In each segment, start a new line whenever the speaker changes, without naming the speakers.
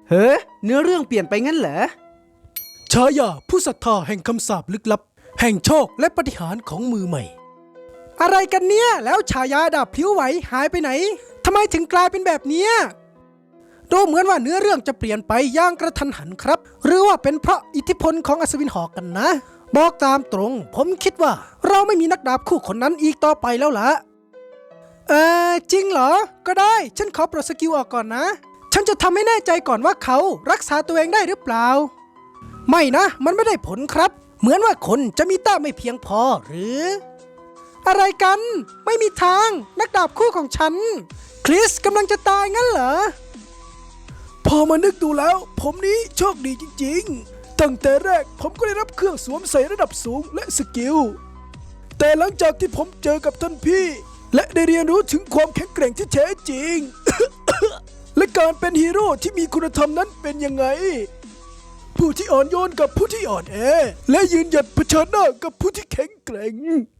เฮ้อเนื้อเรื่องเปลี่ยนไปงั้นเหรอ
ฉายาผู้ศรัทธาแห่งคำสาปลึกลับแห่งโชคและปาฏิหาริย์ของมือใหม่อะไรกันเนี่ยแล้วฉายาดาบพลิ้วไหวหายไปไหนทำไมถึงกลายเป็นแบบนี้ดูเหมือนว่าเนื้อเรื่องจะเปลี่ยนไปอย่างกระทันหันครับหรือว่าเป็นเพราะอิทธิพลของอัศวินหอกกันนะบอกตามตรงผมคิดว่าเราไม่มีนักดาบคู่คนนั้นอีกต่อไปแล้วล่ะจริงเหรอก็ได้ฉันขอปลดสกิลออกก่อนนะฉันจะทำให้แน่ใจก่อนว่าเขารักษาตัวเองได้หรือเปล่าไม่นะมันไม่ได้ผลครับเหมือนว่าคนจะมีแต้มไม่เพียงพอหรืออะไรกันไม่มีทางนักดาบคู่ของฉันคริสกำลังจะตายงั้นเหรอพอมานึกดูแล้วผมนี้โชคดีจริงๆตั้งแต่แรกผมก็ได้รับเครื่องสวมใส่ระดับสูงและสกิลแต่หลังจากที่ผมเจอกับท่านพี่และได้เรียนรู้ถึงความแข็งแกร่งที่แท้จริง และการเป็นฮีโร่ที่มีคุณธรรมนั้นเป็นยังไงผู้ที่อ่อนโยนกับผู้ที่อ่อนแอและยืนหยัดเผชิญหน้ากับผู้ที่แข็งแกร่ง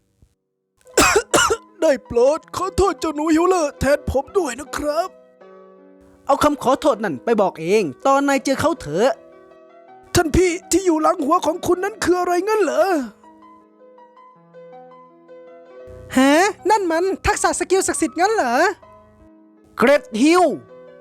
ได้โปรดขอโทษเจ้าหนูฮิวเลอร์แทนผมด้วยนะครับ
เอาคำขอโทษนั่นไปบอกเองตอนนายเจอเขาเถอะ
ท่านพี่ที่อยู่หลังหัวของคุณนั้นคืออะไรงั้นเหรอฮะนั่นมันทักษะสกิลศักดิ์สิทธิ์งั้นเหรอ
เกรดฮิล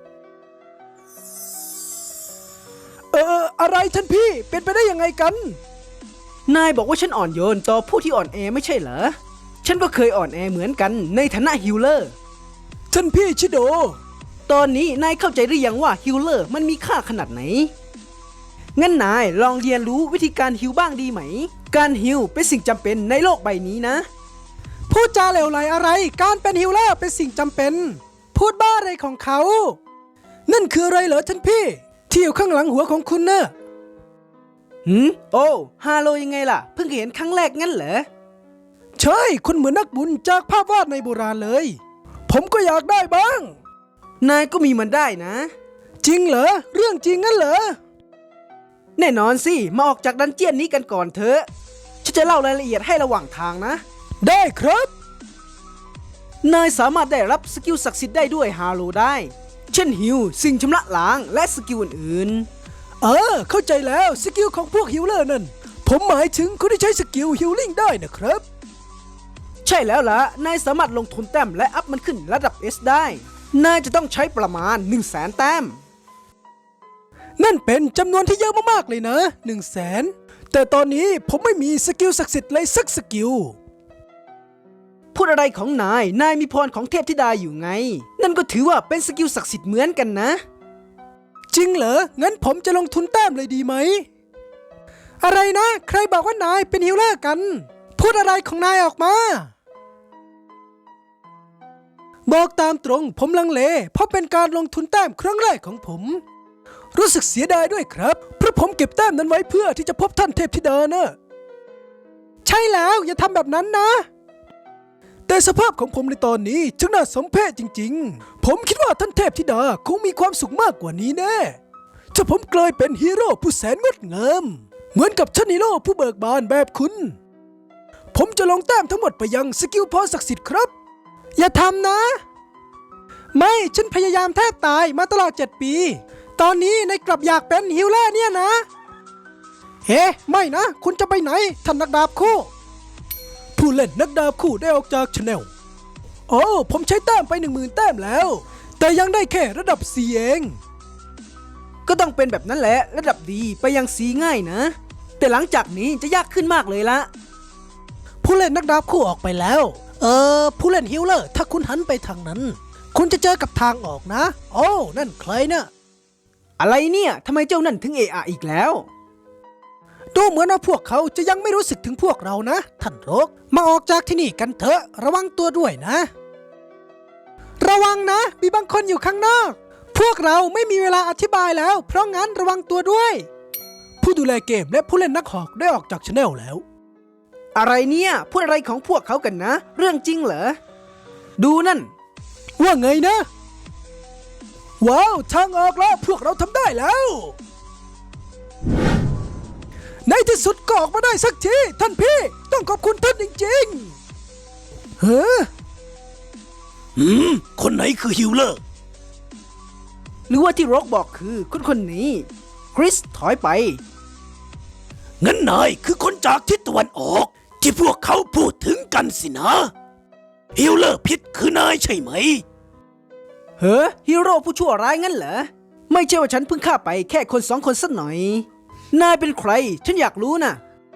อะไรท่านพี่เป็นไปได้ยังไงกัน
นายบอกว่าฉันอ่อนโยนต่อผู้ที่อ่อนแอไม่ใช่เหรอฉันก็เคยอ่อนแอเหมือนกันในฐานะฮิลเลอร์
ท่านพี่ชิโด
ตอนนี้นายเข้าใจหรือยังว่าฮิลเลอร์มันมีค่าขนาดไหนงั้นนายลองเรียนรู้วิธีการฮิลบ้างดีไหมการฮิลเป็นสิ่งจำเป็นในโลกใบนี้นะ
พูดจาเหลวไหลอะไรการเป็นฮิลเลอร์เป็นสิ่งจำเป็นพูดบ้าอะไรของเขานั่นคืออะไรเหรอท่านพี่ที่อยู่ข้างหลังหัวของคุณเนอะ
โอ้ฮาโลยังไงล่ะเพิ่งเห็นครั้งแรกงั้นเหรอ
ใช่คุณเหมือนนักบุญจากภาพวาดในโบราณเลยผมก็อยากได้บ้าง
นายก็มีมันได้นะ
จริงเหรอเรื่องจริงงั้นเหรอ
แน่นอนสิมาออกจากดันเจียนนี้กันก่อนเถอะฉันจะเล่ารายละเอียดให้ระหว่างทางนะ
ได้ครับ
นายสามารถได้รับสกิลศักดิ์สิทธิ์ได้ด้วยฮาโลได้เช่นฮิลสิ่งชำระล้างและสกิลอื่น
ๆเข้าใจแล้วสกิลของพวกฮิลเลอร์นั่นผมหมายถึงคนที่ใช้สกิลฮิลลิ่งได้นะครับ
ใช่แล้วล่ะนายสามารถลงทุนแต้มและอัพมันขึ้นระดับ S ได้นายจะต้องใช้ประมาณ 100,000 แต้ม
นั่นเป็นจำนวนที่เยอะมากๆเลยนะ 100,000 แต่ตอนนี้ผมไม่มีสกิลศักดิ์สิทธิ์เลยสักสกิล
พูดอะไรของนายมีพรของเทพธิดาอยู่ไงนั่นก็ถือว่าเป็นสกิลศักดิ์สิทธิ์เหมือนกันนะ
จริงเหรองั้นผมจะลงทุนแต้มเลยดีไหมอะไรนะใครบอกว่านายเป็นฮิลเลอร์กันพูดอะไรของนายออกมาบอกตามตรงผมลังเลเพราะเป็นการลงทุนแต้มครั้งแรกของผมรู้สึกเสียดายด้วยครับเพราะผมเก็บแต้มนั้นไว้เพื่อที่จะพบท่านเทพธิดานะใช่แล้วอย่าทำแบบนั้นนะแต่สภาพของผมในตอนนี้ช่างน่าสมเพชจริงๆผมคิดว่าท่านเทพธิดาคงมีความสุขมากกว่านี้แน่ถ้าผมกลายเป็นฮีโร่ผู้แสนงดงามเหมือนกับท่านฮีโร่ผู้เบิกบานแบบคุณผมจะลงแต้มทั้งหมดไปยังสกิลพรศักดิ์สิทธิ์ครับอย่าทำนะไม่ฉันพยายามแทบตายมาตลอด7 ปีตอนนี้นายกลับอยากเป็นฮิลเลอร์เนี่ยนะเฮ้ไม่นะคุณจะไปไหนท่านนักดาบคู่ผู้เล่นนักดาบคู่ได้ออกจากชาแนลโอ้ผมใช้แต้มไป 10,000 แต้มแล้วแต่ยังได้แค่ระดับ C เอง
ก็ต้องเป็นแบบนั้นแหละระดับดีไปยัง C ง่ายนะแต่หลังจากนี้จะยากขึ้นมากเลยละ
ผู้เล่นนักดาบคู่ออกไปแล้วผู้เล่นฮิลเลอร์ถ้าคุณหันไปทางนั้นคุณจะเจอกับทางออกนะโอ้นั่นใครนะ
อะไรเนี่ยทำไมเจ้านั่นถึงเอะอีกแล้ว
ดูเหมือนว่าพวกเขาจะยังไม่รู้สึกถึงพวกเรานะท่านโรกมาออกจากที่นี่กันเถอะระวังตัวด้วยนะระวังนะมีบางคนอยู่ข้างนอกพวกเราไม่มีเวลาอธิบายแล้วเพราะงั้นระวังตัวด้วยผู้ดูแลเกมและผู้เล่นนักหอกได้ออกจากชาแนลแล้ว
อะไรเนี่ยพูดอะไรของพวกเขากันนะเรื่องจริงเหรอดูนั่น
ว่าไงนะว้าวทางออกแล้วพวกเราทำได้แล้วในที่สุดก็ออกมาได้สักทีท่านพี่ต้องขอบคุณท่านจริงๆคนไหนคือฮิลเลอร์
หรือว่าที่ร็อกบอกคือคนคนนี้ คริสถอยไป
งั้นนายคือคนจากทิศตะวันออก ที่พวกเขาพูดถึงกันสินะฮิลเลอร์พิษคือนายใช่ไหม
เฮ้อฮีโร่ผู้ชั่วร้ายงั้นเหรอ ไม่ใช่ว่าฉันเพิ่งฆ่าไปแค่คนสองคนสักหน่อย นายเป็นใคร ฉันอยากรู้นะ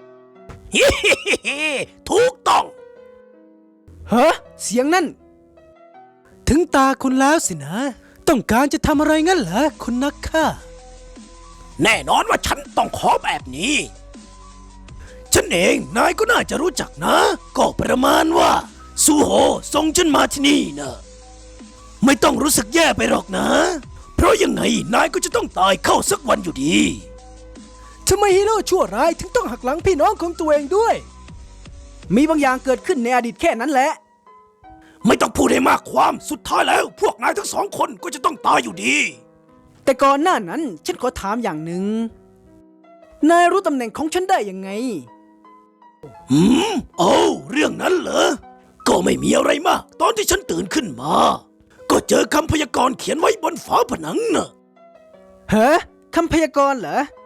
ถูกต้อง
เฮ้อเสียงนั่น
ถึงตาคุณแล้วสินะ ต้องการจะทำอะไรงั้นเหรอคุณนักฆ่า
แน่นอนว่าฉันต้องขอแบบนี้ ฉันเองนายก็น่าจะรู้จักนะ ก็ประมาณว่าซูโฮส่งฉันมาที่นี่นะไม่ต้องรู้สึกแย่ไปหรอกนะ เพราะยังไงนายก็จะต้องตายเข้าสักวันอยู่ดี
ทำไมฮีโร่ชั่วร้ายถึงต้องหักหลังพี่น้องของตัวเองด้วย
มีบางอย่างเกิดขึ้นในอดีตแค่นั้นแหละ
ไม่ต้องพูดให้มากความสุดท้ายแล้ว พวกนายทั้งสองคนก็จะต้องตายอยู่ดี
แต่ก่อนหน้านั้นฉันขอถามอย่างหนึ่ง นายรู้ตำแหน่งของฉันได้ยังไง
โอ้เรื่องนั้นเหรอ ก็ไม่มีอะไรมาก ตอนที่ฉันตื่นขึ้นมา ก็เจอคำพยากรณ์เขียนไว้บนฝาผนังน่ะ
เฮ้อคำพยากรณ์เหรอ